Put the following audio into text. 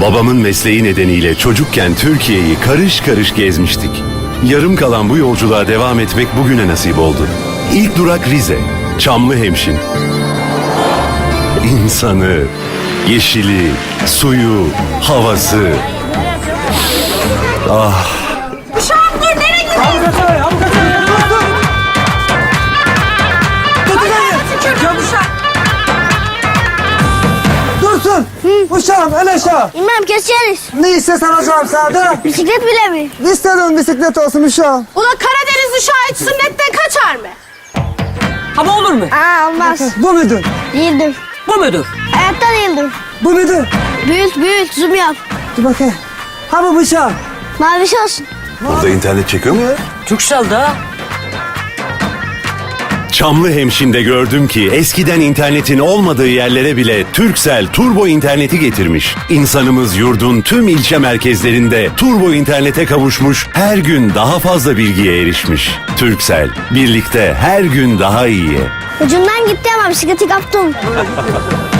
Babamın mesleği nedeniyle çocukken Türkiye'yi karış karış gezmiştik. Yarım kalan bu yolculuğa devam etmek bugüne nasip oldu. İlk durak Rize, Çamlıhemşin. İnsanı, yeşili, suyu, havası. Ah, Uşağım dur, nereye gidiyorsun? Tükürdüm uşak. Dursun. Uşağım el aşağı. İmam keseriz. Ne istersen alacağım sana. Bisiklet bile mi? İstedim bisiklet olsun uşağım. Ula Karadeniz uşağı hiç sünnetten kaçar mı? Ama olur mu? Aa olmaz. Bu mudur? Değildir. Bu mudur? Hayatta değildir. Bu mudur? Büyük zoom yap. Dur bakayım. Ha bu uşağım. Maviş olsun. burada internet çekiyor mu? Türksel da. Çamlıhemşin'de gördüm ki eskiden internetin olmadığı yerlere bile Turkcell turbo interneti getirmiş. İnsanımız yurdun tüm ilçe merkezlerinde turbo internete kavuşmuş, her gün daha fazla bilgiye erişmiş. Turkcell, birlikte her gün daha iyiye. Ucundan gitti ama bisikleti kaptım.